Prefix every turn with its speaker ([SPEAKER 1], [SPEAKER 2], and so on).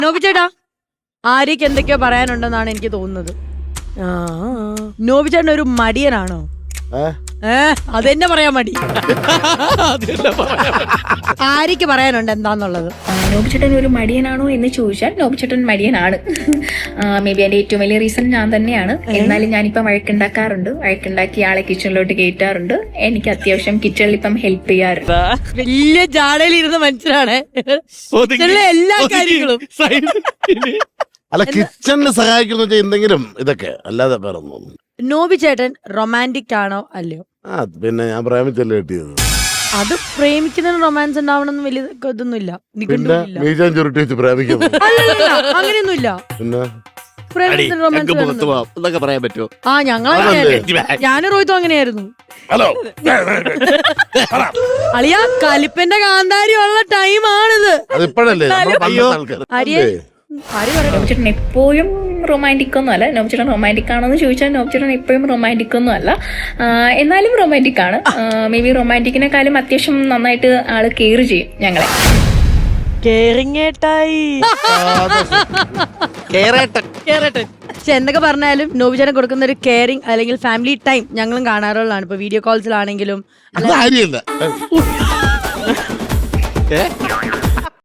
[SPEAKER 1] നോബി ചേട്ടാ, ആര്യക്ക് എന്തൊക്കെയോ പറയാനുണ്ടെന്നാണ് എനിക്ക് തോന്നുന്നത്. നോബി ചേട്ടൻ ഒരു മടിയനാണോ? അതെന്നെ പറയാൻ മടി. ആര്യക്ക് പറയാനുണ്ട് എന്താന്നുള്ളത്.
[SPEAKER 2] നോബിച്ചേട്ടൻ ഒരു മടിയനാണോ എന്ന് ചോദിച്ചാൽ നോബിച്ചേട്ടൻ മടിയനാണ്. മേ ബി അതിന്റെ ഏറ്റവും വലിയ റീസൺ ഞാൻ തന്നെയാണ്. എന്നാലും ഞാനിപ്പം വഴക്കുണ്ടാക്കാറുണ്ട്. വഴക്കുണ്ടാക്കി ആളെ കിച്ചണിലോട്ട് കയറ്റാറുണ്ട്. എനിക്ക് അത്യാവശ്യം കിച്ചണിൽ ഇപ്പം ഹെൽപ്പ് ചെയ്യാറുണ്ട്.
[SPEAKER 1] വലിയ ജാടയിലിരുന്ന മനുഷ്യനാണ് എല്ലാ കാര്യങ്ങളും.
[SPEAKER 3] അല്ല, കിച്ചണിന് സഹായിക്കുന്ന എന്തെങ്കിലും ഇതൊക്കെ അല്ലാതെ വേറെ ഒന്നും.
[SPEAKER 1] നോബി ചേട്ടൻ റൊമാൻറ്റിക് ആണോ അല്ലയോ?
[SPEAKER 3] പിന്നെ ഞാൻ പ്രേമിച്ചല്ലേ കിട്ടിയത്.
[SPEAKER 1] അത് പ്രേമിക്കുന്നതിന് റൊമാൻസ് ഉണ്ടാവണമെന്ന് വലിയ ഇതൊന്നുമില്ല.
[SPEAKER 3] പിന്നെ മീശാൻ ചുരുട്ടി വെച്ച് പ്രേമിക്കുന്നു
[SPEAKER 1] അങ്ങനെയൊന്നുമില്ല.
[SPEAKER 3] പിന്നെ
[SPEAKER 4] പറയാൻ പറ്റുമോ?
[SPEAKER 1] ആ, ഞാനും റോഹിത്തും അങ്ങനെയായിരുന്നു.
[SPEAKER 3] ഹലോ
[SPEAKER 1] അളിയ കലിപ്പന്റെ കാന്താരി ഉള്ള ടൈമാണിത്.
[SPEAKER 3] അതിപ്പോഴല്ലേ
[SPEAKER 2] നോബിച്ചേട്ടൻ എപ്പോഴും റൊമാൻറ്റിക് ഒന്നും അല്ല. നോബിച്ചേട്ടൻ റൊമാൻറ്റിക് ആണോ എന്ന് ചോദിച്ചാൽ നോബിച്ചേട്ടൻ എപ്പോഴും റൊമാൻറ്റിക് ഒന്നും അല്ല. എന്നാലും റൊമാൻറ്റിക് ആണ്. മേ ബി റൊമാൻറ്റിക്കിനെക്കാളും അത്യാവശ്യം നന്നായിട്ട് ആള് കെയർ ചെയ്യും ഞങ്ങളെ.
[SPEAKER 1] പക്ഷെ എന്തൊക്കെ പറഞ്ഞാലും നോബിചേട്ടൻ കൊടുക്കുന്ന ഒരു കെയറിങ് അല്ലെങ്കിൽ ഫാമിലി ടൈം ഞങ്ങളും കാണാറുള്ളതാണ്. ഇപ്പൊ വീഡിയോ കോൾസിലാണെങ്കിലും